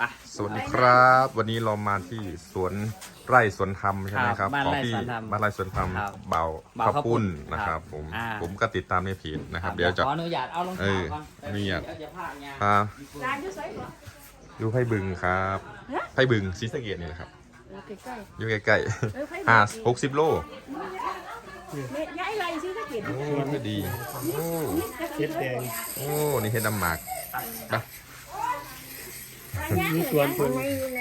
ไปสวัสดีครับวันนี้เรามาที่สวนไร่สวนธรรมใช่ไหมครับบ้านของไร่พี่สวนธรรมบ้านไร่สวนธรรมครับเบาเบาข้าวข้าวปุ้ปุ้นนนะครับผม ผมก็ติดตามในเพจนะครับเดี๋ยวจะขออนุญาตเอารองเท้าก่อนอนุญาตเดี๋ยวจะพากงานพาร้านอยู่ไสบ่อยู่ไผ่บึงครับไผ่บึงศรีสะเกษนี่แหละครับใกล้อยู่ใกล้ๆไผๆ60 โลเม็ดย้ายไรซื้อก็กินโอ้ก็ดีโอ้เฮ็ดแดงโอ้นี่เห็ดน้ำหมากไปมีสวนเพิ่น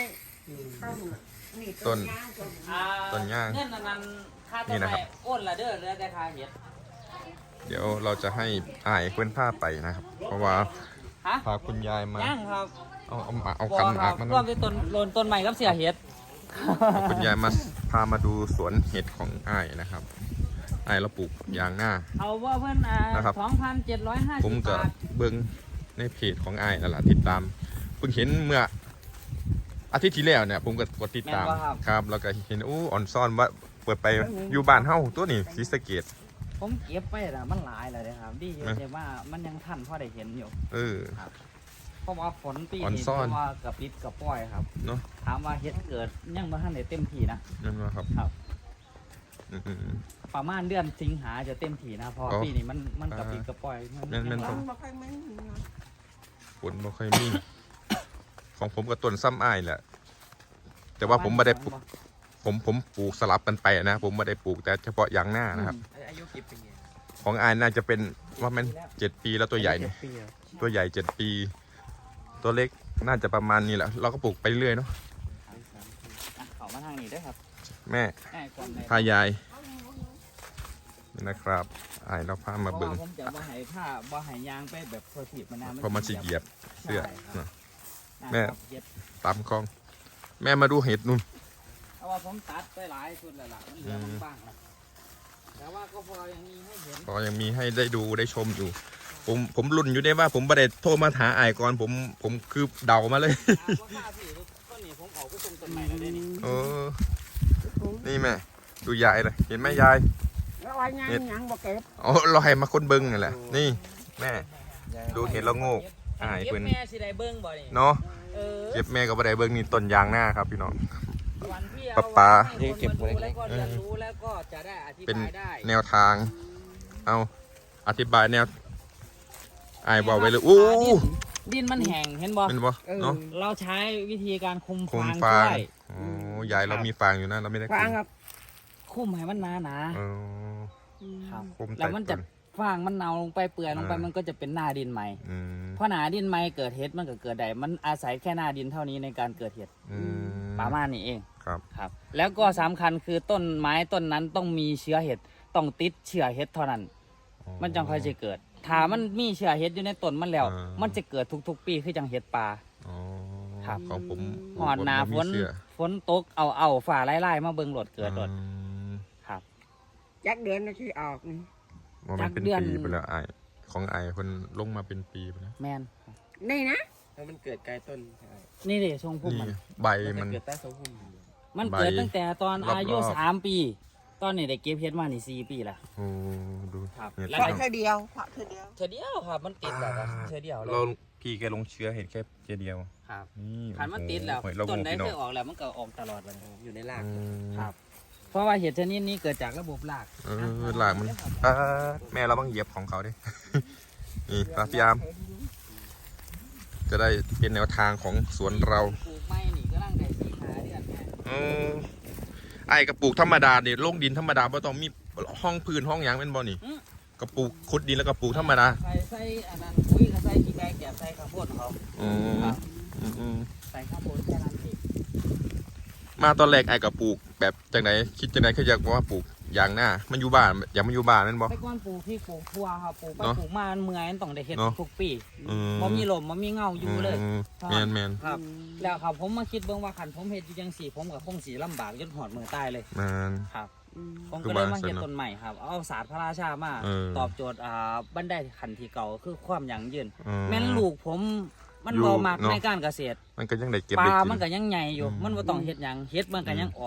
ต้นอ่าต้นย่างเงินนั้นค่านี่ต้นนะครับไม้โอนละเด้อเหลือแต่ค่าเห็ดเดี๋ยวเราจะให้อ้ายเพื่อนผ้าไปนะครับ เพราะว่าฮะพาคุณยายมาย่างครับเอาคันหมากมาร่วมที่ต้นโลนต้นใหม่กับเสียเห็ดคุณยายมาพามาดูสวนเห็ดของอ้ายนะครับอ้ายเราปลูกยางหน้าเอาว่าเพื่อนนะครับ 2,750 ผมก็บาทเบิ่งในเพจของอ้ายนั่นแหละติดตามเพิ่งเห็นเมื่ออาทิตย์ที่แล้วเนี่ยผมก็กดติดตามครับแล้วก็เห็นอู้อ่อนซ่อนว่าเปิดไปอยู่บ้านเฮาตัวนี้ศรีสะเกษผมเก็บไปนะมันหลายเลยนะครับดีอยู่นะแต่ว่ามันยังทันพอได้เห็นอยู่เออเพราะว่าฝนปีอ่อนนี้ซ่อนเพราะว่ากับปิดกับปล่อยครับเนาะถามว่าเฮ็ดเกิดยังบ่ทันได้เต็มที่นะนั่นว่าครับครับอืมประมาณเดือนสิงหาจะเต็มที่นะเพราะอ๋อปีนี้มันกับปิดกับปล่อยแม่นๆยังบ่ค่อยมันฝนบ่ค่อยมี ของผมกับต้นซ้ำอ้ายแหละแต่ว่าผมไม่ได้ปลูกผมปลูกสลับกันไปนะ ผมไม่ได้ปลูกแต่เฉพาะยางหน้านะครับอายุกี่ปีของอ้ายน่าจะเป็นว่ามัน7 ปีแล้วตัวใหญ่เนี่ย 7 ปีแล้วตัวใหญ่7 ปี ตัวเล็กน่าจะประมาณนี้แหละเราก็ปลูกไปเรื่อยเนาะเข้ามาทางนี้ด้วยครับแม่ก่อนเลยพายายนี่นะครับอ้ายเราพามาเพราะเบิ่งว่าผมจะบ่ให้ผ้าบ่ให้ยางไปแบบโซทีบมันนะพอมาสิเหยียบเสื้อใช่ครับเนาะนะแม่ครับเฮ็ดตามคลอง แม่มาดูเห็ดนู่นเพราะว่าผมตัดไปหลายชุดแล้วล่ะมันเหลือบ้างนะแต่ว่าก็พอยังมีให้เห็นก็ยังมีให้ได้ดูได้ชมอยู่ ผมรุ่นอยู่ได้ว่าผมไม่ได้โทรมาหาอ้ายก่อนผมคือเดามาเลยว่าค่าพี่ต้นนี้ผมเอาไปส่งต้นใหม่แล้วเด้นี่เออ นี่แม่ ดูยายเลย เห็นไหมยายแล้วว่ายังบ่เก็บอ๋อเราให้มาคนเบิ้งนั่นแหละ นี่ แม่ ดูเห็นแล้วโงกอ้ายเก็บเพิ่นแม่สิได้เบิ่งบ่นี่เนาะเออเก็บแม่ก็บ่ได้เบิ้งนี่ต้นยางหน้าครับพี่น้องวันที่ปะปาให้คนมาดูแล้วก็เรียนรู้แล้วก็จะได้อธิเป็นบายได้แนวทาง เอาอธิบายแนวอ้ายบอกไว้เลยอู้ดินมันแห้งเห็นบ่เป็นบ่เนาะเราใช้วิธีการคุมคุมฟางฟางช่วยโอ้ยายเรามีฟางอยู่นะเราไม่ได้คุฟังมครับคุมให้มันหนาเออๆครับคุมแล้วมันจะต้ฟางมันเนาลงไปเปื่อยลงไปมันก็จะเป็นหน้าดินใหม่อืมเพราะหนาดินใหม่เกิดเห็ดมันก็เกิดได้มันอาศัยแค่หน้าดินเท่านี้ในการเกิดเห็ดอืมประมาณนี้เองครับครับ แล้วก็สำคัญคือต้นไม้ต้นนั้นต้องมีเชื้อเห็ดต้องติดเชื้อเห็ดเท่านั้น มันจังค่อยจะเกิด ถ้ามันมีเชื้อเห็ดอยู่ในต้นมันแล้ว มันจะเกิดทุกๆ ปีคือจังเห็ดป่าอ๋อครับของผมหอดหนาผมฝบ่นมีเสื้อฝนตกเอาฝ่าไล่ๆมาเบิ่งโหลดเกิดโหลดอืมครับจักเดือนน่ะสิออกนี่ว่ามันเป็นจากเดือนปีไปแล้วไอายของไอายคนลงมาเป็นปีไปแล้วแมนนี่นะแล้วมันเกิดไกลต้นใช่นี่ดิทรงพุ่มนี่มันใบมัมัน นเกิดใต้ทรงพุ่มมันเกิดใบตั้งแต่ตอนอายุรอบๆ 3 ปี ตอนนี้ได้เก็บเห็ดมานี่4 ปีละโอ้ดูครับเนี่ยแล้วเพราะเธอเดียวเพราะเธอเดียวเธอเดียวครับ มันติดแล้วครับเธอเดียวเลเรายพี่แกลงเชื้อเห็นแค่เจเดียวครับนี่ขันมันติดแล้วโอ้โหเราต้นโง่ได้พี่น้อเคงยออกแล้วมันก็ออกตลอดเลยอยู่ในรากอืมครับ เพราะว่าเห็ดชนิดนี้เกิดจากระบบรากเออหลากมันแม่เราต้องเหยียบของเขาดิ นี่พยายามจะได้เป็นแนวทางของสวนเราปลูกไม้นี่ก็ร่างได้4-5 เดือนแม่เออไอ้กระปลูกธรรมดาเนี่ยลงดินธรรมดาไม่ต้องมีห้องพื้นห้องหยางเป็นบ่นี่กระปลูกขุดดินแล้วก็ปลูกธรรมดาใส่อันนั้นปุ๋ยก็ใส่ขี้ไก่แกบใส่ข้าวโพดของเขาอืมครับอืมใส่ข้าวโพดแค่นั้นเองมาตอนแรกไอ้กับปลูกแบบจากไหนคิดจากไหนคืออยากว่าปลูกอย่างหน้ามันอยู่บ้านอยากมันอยู่บ้านแม่นบ่ไปก้อนปลูกที่ปลูกทั่วครับปลูกไปเนอะปลูกมามันเมื่อยมันต้องได้เห็ดเนอะทุกปีอืมบ่มีลมบ่มีเงาอยู่เลยแมนแมนครับ แล้วครับผมมาคิดเบิ่งว่าขันผมเฮ็ดอยู่จังสี่ผมกับคงสีลำบากจนหอดมือตายเลยแมนครับ ผมคืก็อเลยว่ามาเฮ็ดสนุกต้นใหม่ครับเอาศาสตร์พระราชามาเออตอบโจทย์บันไดขันที่เก่าคือความยั่งยืนอืแม่นลูกผมมันอยู่บ่มักเนอะในการเกษตรมันก็ยังได้เก็บปได้ลากินมันก็ยังใหญ่อยู่อืมมันบ่ต้องเฮ็ดหยังเฮ็ดมันก็ยังออก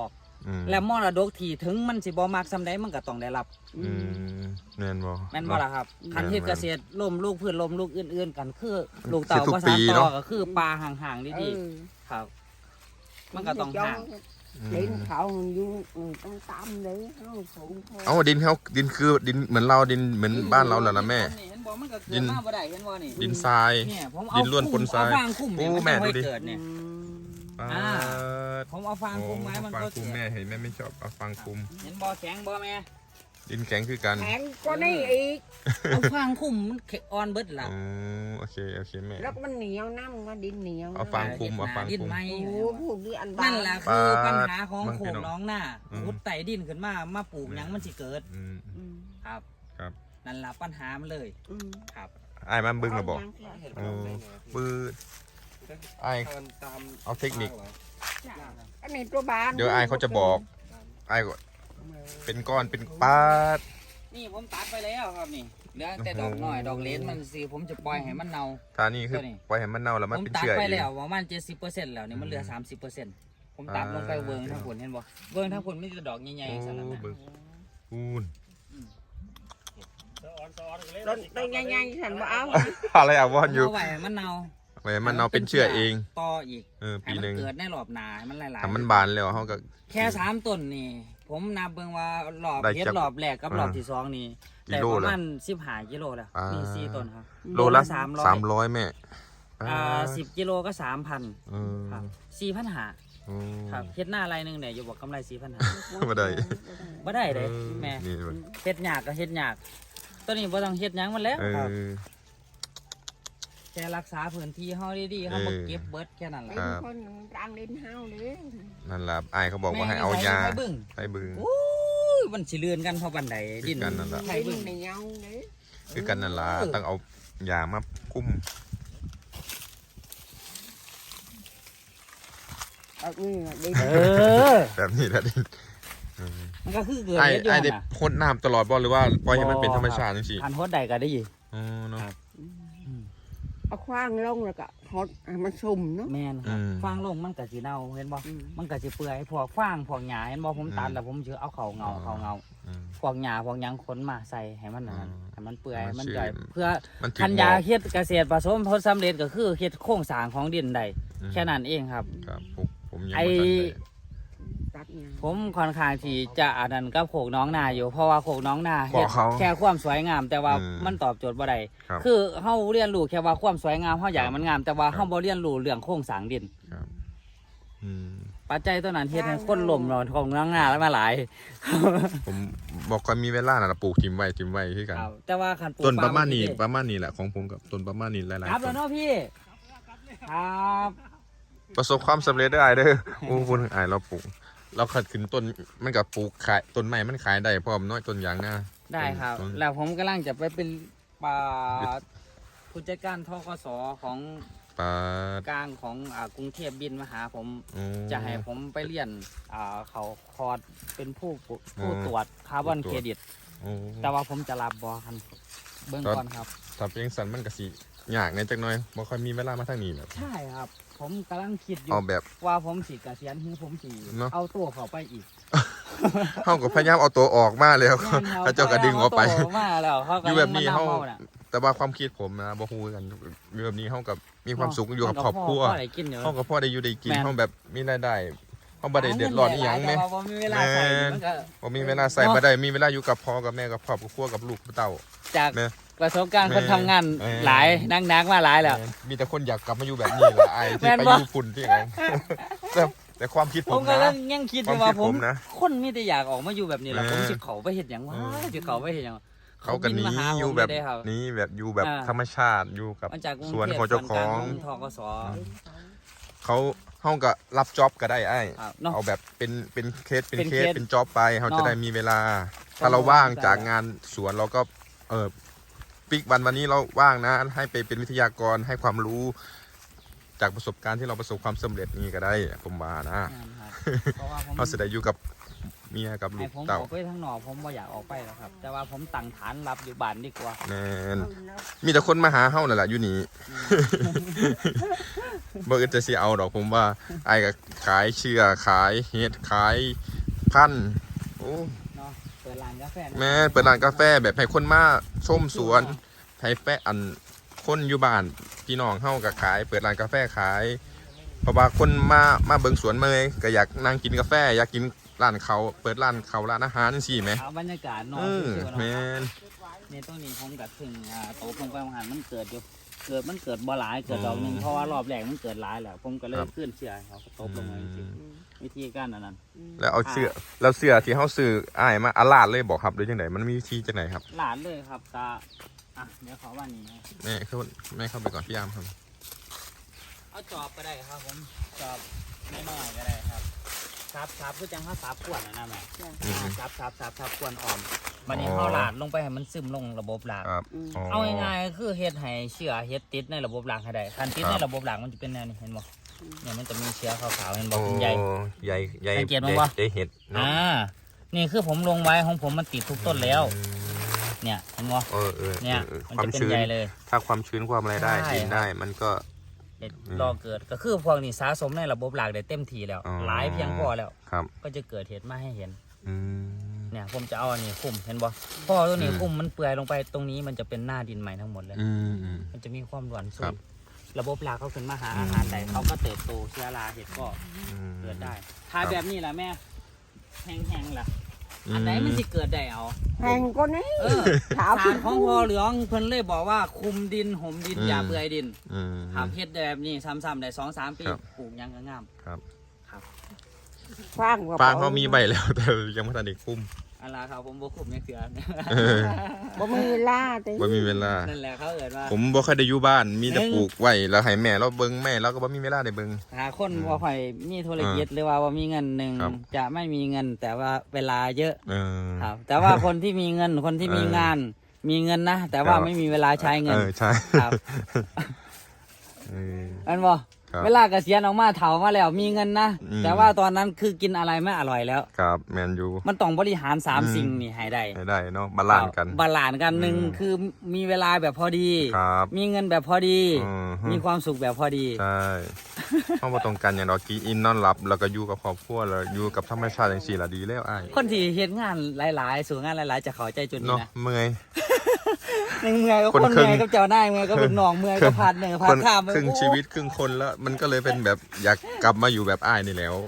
และมรดกที่ถึงมันสิบ่มักซำใดมันก็ต้องได้รับแม่นบ่แม่นบ่ล่ะครับคันเฮ็ดเกษตรล้มลูกพืชล้มลูกอื่นๆกันคือลูกสิเต่าทุกบ่ปีสานต่เนาะอก็คือปลาห่างๆดีๆครับ มันก็ต้องห่างดินเขาอยู่ต้องตามเลยเขาสูงเอาดินเขาดินคือดินเหมือนเราดินเหมือนบ้านเราแหละนะแม่เห็นบ่มันก็เกิดมาบ่ได้เห็นบ่นี่ดินทรายเนี่ยผมดินล้วนปนทรายเอาฟางคุ้มเนี่ยโอ้มันแม่ค่อยดูดิเกิดเนี่ย ผมเอาฟางคุมไว้มันฟางก็คุมเกิดแม่เห็นแม่ไม่ชอบเอาฟางคุมเห็นบ่แข็งบ่แม่ดินแข็งคือกันแข็งก็นี่อีกเอาฟางคุมมันอ่อนเบิดล่ะอ๋อโอเคแม่แล้วมันเหนียวน้ำมันดินเหนียวเอาฟางคุมเอาฟางดินคุมไหมโอ้พูดดีอันบ้านั่นแหละคือปัญหาของบางโขทีงเนาะน้องหน้าอืมขุดไต่ดินขึ้นมาปลูกหยังมันสิเกิด ครับครับนั่นล่ะปัญหามันเลยครับไอ้ายมันบึ้งมาบอก โอ้ปืด ไอ้ตามเอาเทคนิคอันนี้ตัวบานเดี๋ยวไอ้ายเขาจะบอกไอ้ายก็เป็นก้อนเป็นปาดนี่ผมตัดไปแล้วครับนี่เหลือแต่ดอกน้อยดอกเล็กมันสิผมจะปล่อยให้มันเน่าทานี่คือตัวนี้ปล่อยให้มันเน่าแล้วมันผมเป็นตัดเชื้อไปเองแล้วประมาณ70%แล้วนี่มันเหลือ30%ผมตัดลงไปเวิงทั้งผลเห็นบ่เวิงทั้งผลมีแต่ดอกใหญ่โอ้ๆสารพัดบึ้งปูนต้นใหญ่ๆฉันบ่เอาอะไรอ่ะวอนอยู่เอาไว้ให้มันเน่าไว้ให้มันเน่าเป็นเชื้อเองต่ออีกปีให้หมันึ่งเกิดในรอบหน้าให้มันหลายๆถ้ามันบานแล้วเขาก็แค่3ต้นนี่ ผมนับเบิ่งว่ารอบได้เฮ็ดจักรอบแรกกับรอบที่2นี่กิได้โลประละมาณ15กิโลแล้วมี4ต้นครับโลละ 300 300แม่ 10กิโลก็ 3,000 ครับ4,500 ครับเฮ็ดหน้าไรหนึงเนี่ยอยู่บอกกำไร4,500 บ่ได้บ่ได้เด้แม่นี่มันเฮ็ดยากก็เฮ็ดยากตัวนี้บ่ต้องเฮ็ดหยังมันแล้วครับแค่รักษาพื้นที่เฮาดีๆเฮาบ่เก็บเบิดแค่นั้นแหละเป็นคนรังดินเฮาเลยนั่นล่ะอ้ายเขาบอกว่าให้เอายาไปบึ้งไปบึงโอ้ยมันสิเลื่อนกันเพราะบันไดดินคือกันนั่นล่ะไผดิบึ้นงเหนียวเลยคือกันนั่นล่ะต้องเอายามาคุ้มนี่ดินเออแบบนี้แหละดิมันก็คือเกิดไอ้เฮ็ดอยู่ไอ้นั่นได้น่ะพ่นน้ำตลอดบ่หรือว่าปล่อยให้มันเป็นธรรมชาติจังซี่คันโฮดใดก็ได้ยิอ๋อเนาะครับเอาคว้างลงแล้วก็ฮอดมันสุ่มเนาะแม่นครับฟางลงมันก็สิเน่าเห็นบ่มันก็สิเปื่อยพวกฟางพวกหญ้าเห็นบ่ผมตัดแล้วผมสิเอาเข้าเงาพวกหญ้าพวกหยังขนมาใส่ให้มันนั่นให้มันเปื่อยให้มันย่อยเพื่อมันถึงคันหมยาอเฮ็ดเกษตรผสมผลสำเร็จก็คือเฮ็ดโครงสร้างของดินได้แค่นั้นเองครับครับผมยังไอ้บ่ทันได้ตัดเนี่ยผมค่อนข้างที่จะอันนั้นกับโขกน้องนาอยู่เพราะว่าโขกน้องนาบเฮ็อดกเขาแค่ความสวยงาม แต่ว่าอืมมันตอบโจทย์บ่ได้ครับคือเฮาเรียนรู้แค่ว่าความสวยงามเฮาอยากครัให้บมันงาม แต่ว่าครับเฮาบ่เรียนรู้เรื่องโครงสร้างดินครับอืมปัจจัยตัวนั้นเฮ็ดให้คนล่มนอนของน้องนาแล้วมาหลายผมบอกก่อนมีเวลาน่ะปลูกทิมไว้คือกันครับแต่ว่าคันปลูกต้นประมาณนี้ปประมาณนี้แหละของผมกับต้นประมาณนี้หลายครับๆต้แล้วนเนาะพี่ครับประสบความสำเร็จได้เด้อโอ้คุณอายเราปลูกเราขัดขึ้นต้นมันกับปลูกขายต้นใหม่มันขายได้พร้อมน้อยต้นยางหน้าได้ครับต้นแล้วผมกำลังจะไปเป็นผู้จัดการทกสของปลากลางของกรุงเทพบินมาหาผมโอ้จะให้ผมไปเรียนเขาคอร์สเป็นผู้อ๋อตรวจคาร์บอนผู้เคตรวจรดิตโอ้แต่ว่าผมจะรับบอคันเบื้องก่อนครับถ้าเป็นสันมันก็สิยากในจักหน่อยบ่ค่อยมีเวลามาทางนี้แบบใช่ครับ ผมกำลังคิดอยู่เอาแบบว่าผมสิเกษียณหรือผมสิเนอะเอาตัวเขาไปอีกเฮาก็พยายามเอาตัวออกมาแล้วแม่นคพระเจ้าก็ดึงออกไปเาตัวมาแล้วเขาอยู่แบบนี้กำลังเฮาน่ะแต่ว่าความคิดผมนะบ่ฮู้กันอยู่แบบนี้เฮากับมีความสุขอยู่กับครอบครัวพ่อได้กินอยู่เฮากับพ่อได้อยู่ได้กินแม่นเฮาแบบมีรายได้เฮาบ่ได้เดือดร้อนอีหยังแม่แต่ว่าบ่มีเวลาใส่มันก็บ่มีเวลาใส่บ่ได้มีเวลาอยู่กับพ่อกับแม่กับครอบครัวกับลูกกับเต้าจากแม่ประสบการณ์คนทำงานแม่หลายนักๆมาหลายแล้วมีแต่คนอยากกลับมาอยู่แบบนี้แหละไอ้ที่แม่นไปบ่อยู่ฝุ่นที่ไหน แต่ความคิดผผม มก็นะยังคิดอยู่ว่าความคิดผผม มนะคนมีแต่อยากออกมาอยู่แบบนี้แหละแม่ผมสิเขาไปเห็นอย่างว่าสิเขาไปเห็นอย่างเขากันบินี้มาหาอยู่ผมแบบได้ครับนี้แบบอยู่แบบอ่าธรรมชาติอยู่กับมาจากกรุงสวนเทพของเจ้าของส่วนกลทกสเขาก็รับจ็อบก็ได้ไอ้ครับเนาะเอาแบบเป็นเคสเป็นเป็นเคเคสสเป็นจ็อบไปเขาเนาะจะได้มีเวลาต้องถ้าเราว่างเข้าใจจากงานสวนเราก็ปิกวันนี้เราว่างนะ ให้ไปเป็นวิทยากรให้ความรู้ จากประสบการณ์ที่เราประสบความสำเร็จนี่ก็ได้ผมว่านะนั่นครับเพราะว่าผมเขาจะได้อยู่กับเมียกับลูให้กผมเต่าออกไปทางนอกผมไม่อยากออกไปแล้วครับ แต่ว่าผมตั้งฐานรับอยู่บ้านดีกว่าแน่นมีแต่คนมาหาเฮานั่นแหละอยู่นี่ บ่อื่นจะสิเอาดอกผมว่าไอ้ก็ขายเชื่อขายเฮ็ดขายคัญโอ้เนาะเปิดร้านกาแฟแม่เปิดร้านกาแฟแบบให้คนมาชมสวนให้แฟอันคนอยู่บ้านพี่น้องเฮาก็ขายเปิดร้านกาแฟขายเพราะว่าคนมาเบิ่งสวนเมยก็อยากนั่งกินกาแฟอยากกินร้านเขาเปิดร้านเขาร้านอาหารจังซี่แหมเอาบรรยากาศนอนแม่นนี่ต้นนี้ผมกับถึงโตลงไปอาหารมันเกิดอยู่มันเกิดบ่หลายเกิดดอกหนึ่งเพราะว่ารอบแรกมันเกิดหลายแล้วผมก็เลยขึ้นเชื่อเขาตบลงมาจริงวิธีการนั้นแล้วเอาเสื้อที่เฮาซื้ออ้ายมาอาลาดเลยบอกครับหรือจังไดมันมีวิธีจังไดครับหลานเลยครับตาเดี๋ยวขอว่านี้แม่เข้าไปก่อนพี่ยามครับเอาจอบก็ได้ครับผมจอบน้อยๆก็ได้ครับซับคือจังเขาซับขวดนะแม่ซับขวดอ่อมวันนี้เขาหลาดลงไปให้มันซึมลงระบบหลากครับเอาง่ายๆคือเฮ็ดให้เชื้อเฮ็ดติดในระบบหลากให้ได้คันติดในระบบหลากมันจะเป็นแนวนี้เห็นบ่เนี่ยมันจะมีเชื้อขาวๆเห็นบ่เป็นใยใหญ่สังเกตมั้ยวะใหญ่เห็ดเนาะนี่คือผมลงไว้ของผมมันติดทุกต้นแล้ว เนี่ยเห็นบ่ เนี่ยมันจะเป็นใยเลยถ้าความชื้นความอะไรได้ใช่ดินได้มันก็รอเกิดก็คือพวกนี้สะสมในระบบหลากได้เต็มทีแล้วอ๋อหลายเพียงพอแล้วครับก็จะเกิดเหตุมาให้เห็นอืมเนี่ยผมจะเอาอันนี้คุมเห็นบ่พอตัวนี้คุมมันเปื่อยลงไปตรงนี้มันจะเป็นหน้าดินใหม่ทั้งหมดเลย มันจะมีความหวานครัสูบงระบบรากเขาขึ้นมาหาอาหารใดเขาก็เติบโตเชื้อราเห็ดก็เกิดได้ถ้าแบบนี้แหละแม่แห้งๆล่ะอันไหนมันจะเกิดได้เอาแห้งก็นี่สารของพอเหลืองเพิ่นเลยบอกว่าคุมดินห่มดินอย่าเปื่อยดินครับเฮ็ดแบบนี้ซ้ำๆได้2-3 ปีปลูกยังก็งามครับฟางฟางเขามีใบแล้วแต่ยังไม่ทันได้คุ้มอะไรครับผมบ่คุมยังเสือบ่มีเวลาติบ่มีเวลานั่นแหละเขาเอิ้นว่าผมบ่ค่อยได้อยู่บ้านมีแต่ปลูกไว้แล้วให้แม่เราเบิ่งแม่เราก็บ่มีเวลาได้เบิ่งหาคนบ่ค่อยมีธุรกิจหรือว่าบ่มีเงินหนึ่งครับจะไม่มีเงินแต่ว่าเวลาเยอะคครับ รับแต่ว่าคนที่มีเงินคนที่มีงานมีเงินนะแต่ว่าไม่มีเวลาใช้เงินใช่ครับ อันบ่ครับเวลาเกษียณออกมาเฒ่ามาแล้วมีเงินนะอืมแต่ว่าตอนนั้นคือกินอะไรไม่อร่อยแล้วครับแมนยูมันต้องบริหารสามอืมสิ่งนี่ให้ได้ให้ได้เนาะบาลานซ์กันบาลานซ์กันหนึ่งอืมคือมีเวลาแบบพอดีครับมีเงินแบบพอดีฮึมีความสุขแบบพอดีใช่เข้ามาตรงกันอย่างเรากีอินนอนหลับแล้วก็อยู่กับครอบครัวแล้วอยู่กับธรรมชาติอย่างสี่ละดีแล้วอ้ายคนที่เฮ็ดงานหลายๆสู่งานหลายๆจะเข้าใจจุดนี้เนาะนะเมื่อยหนึ่งเมื่อยก็คนคนครึ่เมื่งอยกับเจ้านายเมื่อยก็ลูกน้องเมื่อยก็พาดเหนื่อยพาคดนข้ามครึ่งชีวิตครึ่งคนแล้ว มันก็เลยเป็นแบบอยากกลับมาอยู่แบบอ้ายนี่แล้ว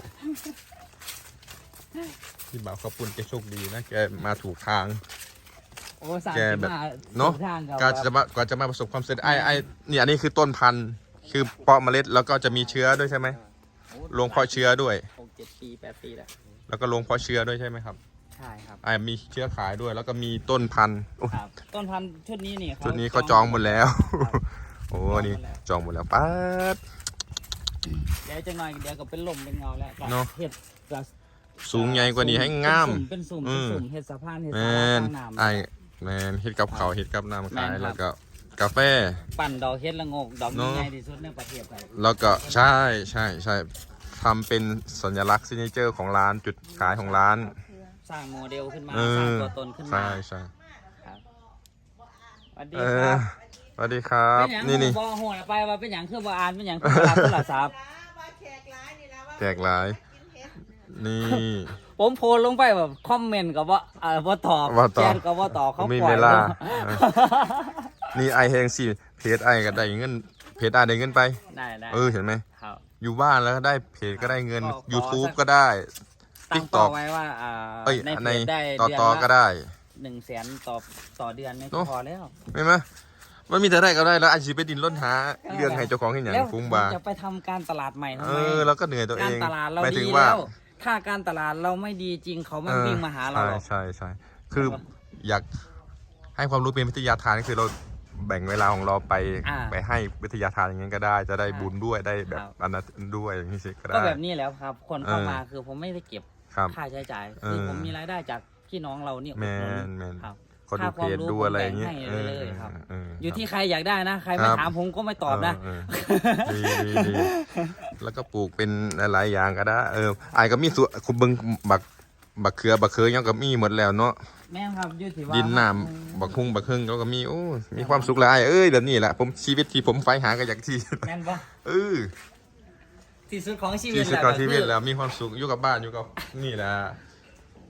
พี่บ่าวเขาปุ่นแกโชคดีนะแกมาถูกทางโอ้สามแกสิบแบบห้าเนาะทางกับกว่าจะมาประสบความสำเร็จไอ้นี่อันนี้คือต้นพันธุ์คือเพาะเมล็ดแล้วก็จะมีเชื้อด้วยใช่ไหมลงเพาะเชื้อด้วย 6-7 ปี8 ปีแล้วแล้วก็ลงเพาะเชื้อด้วยใช่ไหมครับใช่ครับมีเชื้อขายด้วย แล้วก็มีต้นพันธุ์โอ้ยครับต้นพันธุ์ชุดนี้นี่ชุดนี้เขาจองหมดแล้วครับโอ้นี่จองหมดแล้วป๊าดเดี๋ยวจะหน่อยเดี๋ยวก็เป็นลมเป็นเงาแล้วก็เนาะเฮ็ดก็สูงใหญ่กว่านี้ให้งามเป็นสุ่มอืมเฮ็ดสะพานเฮ็ดแมสารานข้างน้ำไอ้แมนเฮ็ดกับเขาวเฮ็ดกับน้ำขายแม่นครับแล้วก็กาแฟปั่นดอกเฮ็ดละโงกดอกเนาะใหญ่ที่สุดในประเทศไทยแล้วก็ใช่ทำเป็นสัญลักษณ์ซิกเนเจอร์ของร้านจุดขายของร้านสร้างโมเดลขึ้นมาเออสร้างตัวตนขึ้นมาใช่ครับสวัสดีเอคอรับสวัสดีครับเป็นหยังนี่บ่โหดไปว่าเป็นหยังคือบ่อ่านเป็นหยังคือบ่รับโทรศัพท์แจกหลาย นี่ผมโพสต์ลงไปแบบคอมเมนต์ก็บ่ตอบบ่ตอบแชทก็บ่ตอบเขาไม่ปล่เวอยลาลงนี่ไอแฮงสิเพจไอก็ได้เงินเพจไอได้เงินไปได้เห็นไหมครับอยู่บ้านแล้วก็ได้เพจก็ได้เงินขอ YouTube สักก็ได้ตั้งเป้า TikTok ไว้ว่าเอ้ยในเพในจได้ต่อเดือนต่อก็ละได้ 100,000ต่อเดือนนี่เนอะพอแล้วไม่ไหมมันมีแต่ได้ก็ได้แล้วอาชีพไปดินล้นหาเรื่องให้เจ้าของให้อย่างแล้วฟุ้งบาจะไปทำการตลาดใหม่ทำไมแล้วก็เหนื่อยตัวเอการงตลาดเราหมายถึดีงว่าแล้ว ถ้าการตลาดเราไม่ดีจริงเขาไม่วิ่งมาหาเราหรอกใช่คืออยากให้ความรู้เป็นวิทยาทานก็คือเราแบ่งเวลาของเราไปให้วิทยาทานอย่างนี้ก็ได้ จะได้บุญด้วยได้แบบอันนั้นด้วยอย่างนี้สิก็ก็ได้แบบนี้แล้วครับ คนเข้ามาคือผมไม่ได้เก็บครับค่าใช้จ่ายคือผมมีรายได้จากพี่น้องเราเนี่ยแมอุดหนุนแมนครับเขาดูเพจดูอะไรอย่างเงี้ยค่าความรู้ผมแบ่งให้เลยครับออยู่ที่ใครอยากได้นะ ใครไม่ครับถามผมก็ไม่ตอบนะดีแล้วก็ปลูกเป็นหลายๆอย่างก็ได้ไอ้ก็มีส่วนคุณเบิ้งบักเขือยังก็มีหมดแล้วเนาะแม่งครับอยู่ที่ว่าดินน้ำบักฮุ่งบักฮึ่งเขาก็มีโอ้มีความสุขแล้วไอ้แบบนี้แหละผมชีวิตที่ผมใฝ่หาก็อยากที่แม่นปะที่ที่สุดของชีวิตที่สุดแหละของชีวิตก็คือแล้วมีความสุขอยู่กับบ้านอยู่กับนี่แหละ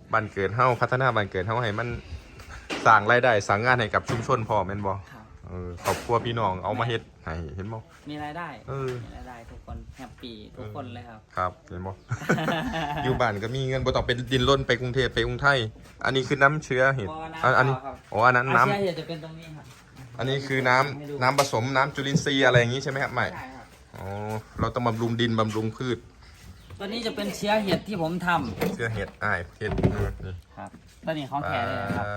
บ้านเกิดเฮาพัฒนาบ้านเกิดเฮาให้มันสร้างรายได้สร้างงานให้กับชุมชนพอแม่นบ่ครับครอบครัวพี่น้องเอามาเฮ็ดให้เห็นบ่มีรายได้เออมีรายได้ทุกคนแฮปปี้ทุกคนเลยครับครับเห็นบ่ อยู่บ้านก็มีเงินบ่ต้องไปดินรนไปกรุงเทพไปกรุงไทยอันนี้คือน้ำเชื้อเห็ดบ่น้ำอันนี้เปล่าครับอ๋ออันนั้นน้ำอาเซียจะเป็นตรงนี้ครับอันนี้คือน้ำผสมน้ำจุลินทรีย์อะไรอย่างงี้ใช่ไหมครับไม่ใช่ครับอ๋อเราต้องบำรุงดินบำรุงพืชตัวนี้จะเป็นเชื้อเห็ดที่ผมทำเชื้อเห็ดอ้ายเห็ดนี่ครับตัวนี้ของแท้เลยครับ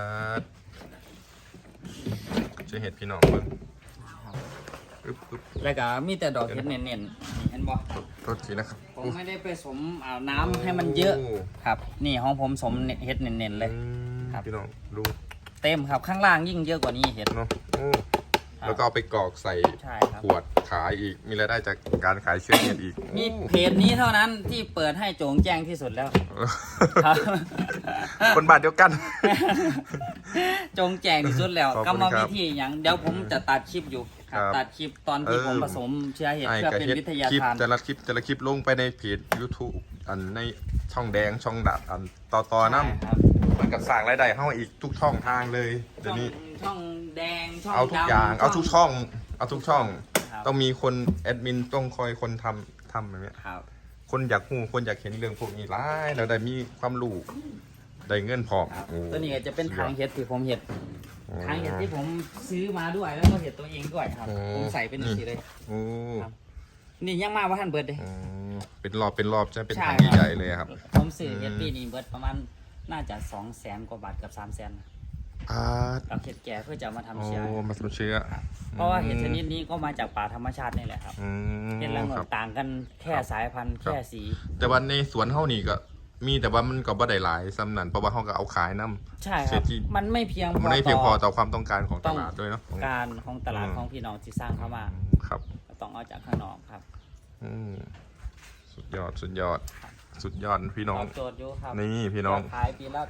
เชื้อเห็ดพี่น้องเบิ่งอึ๊บแล้วก็มีแต่ดอกเห็ดเน้นๆนี่เห็นบ่โทษทีนะครับผมไม่ได้ไปสมน้ำให้มันเยอะครับ นี่ของผมสมเห็ดเน้นๆเลย ครับพี่น้องดูเต็มครับข้างล่างยิ่งเยอะกว่านี้เห็ดเนาะโอ้แล้วก็เอาไปกรอกใส่ใช่ครับขวดขายอีกมีรายได้จากการขายเชื้อเห็ดอีกมีเพจนี้เท่านั้นที่เปิดให้โจงแจ้งที่สุดแล้ว ครับคนบ้านเดียวกันจงแจงที่สุดแล้วขอบกรคุรณมครับวิธีอย่างเดี๋ยวผมจะตัดคลิปอยู่ครับครับตัดคลิปตอนที่ผมผสมเชื้อเห็ดไอ้เพื่อก็เป็นเฮ็ดวิทยาคลิปทานแต่ละคลิปลงไปในเพจ YouTube อันในช่องแดงช่องดับอันต่อน้ำใช่ครับมันก็สร้างรายได้เข้าอีกทุกช่องทางเลยเดี๋ยวนี้ช่องแดงช่องเอาทุกดำอย่างเอาทุกช่องเอาทุกช่องครับต้องมีคนแอดมินต้องคอยคนทำอย่างเงี้ยครับคนอยากหูคนอยากเห็นเรื่องพวกนี้หลายแล้วได้มีความรู้ได้เงินพร้อมครับโอ้ตัวนี้ก็จะเป็นทางเห็ดที่ผมเห็ดโอ้ทางเห็ดที่ผมซื้อมาด้วยแล้วก็เห็ดตัวเองด้วยครับโอ้ผมใส่เป็นสีเลยโอ้ครับ นี่ยังมาว่าท่านเบิร์ดเลยโอ้เป็นรอบจะเป็นใช่ทางครับใหญ่ๆเลยครับผมซื้อเห็ดอืมปีนี้เบิร์ดประมาณน่าจะ200,000 กว่าบาทกับ300,000 อ่ากับเห็ดแก่เพื่อจะเอามาทำโอ้เชื้อมาทำเชื้อเพราะว่าเห็ดชนิดนี้ก็มาจากป่าธรรมชาตินี่แหละครับอืมเห็ดละโงครักบต่างกันแค่สายพันธุ์ครับแค่สีแต่ว่าในสวนเฮานี่ก็มีแต่ว่ามันก็บ่ได้หลายสำนันเพราะว่าเฮาก็เอาขายน้ำใช่คเศรรับษฐีมันไม่เพียงพอมันไม่เพียงพอต่อต่อความต้องการของตลาดด้วยเนาะการของตลาดอืมของพี่น้องที่สร้างเข้ามาครับก็ต้องเอาจากข้างนอกครับอืมสุดยอดพี่น้องตอบโจทย์อยู่ครับนี่พี่น้องขายปีละ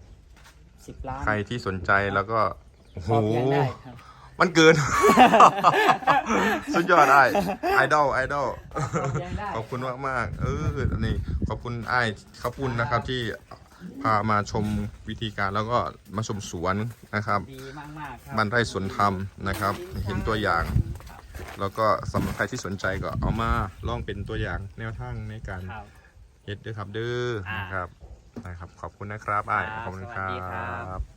10 ล้านใครที่สนใจแล้วก็โอ้โหพอเพียงได้ครับมันเกิน สุดยอดไอดอลพอเพียงได้ขอบคุณมากนี่ขอบคุณไอ้ข้าวปุ้นนะครับที่พามาชมวิธีการแล้วก็มาชมสวนนะครับดีมากๆครับบ้านไร่สวนธรรมนะครับ เห็นตัวอย่าง แล้วก็สำหรับใครที่สนใจก็เอามาลองเป็นตัวอย่างแนวทางในการครับเฮ็ดด้วยครับเด้อนะครับขอบคุณนะครับไอ้ายขอบคุณครัสวัสดีครับ บ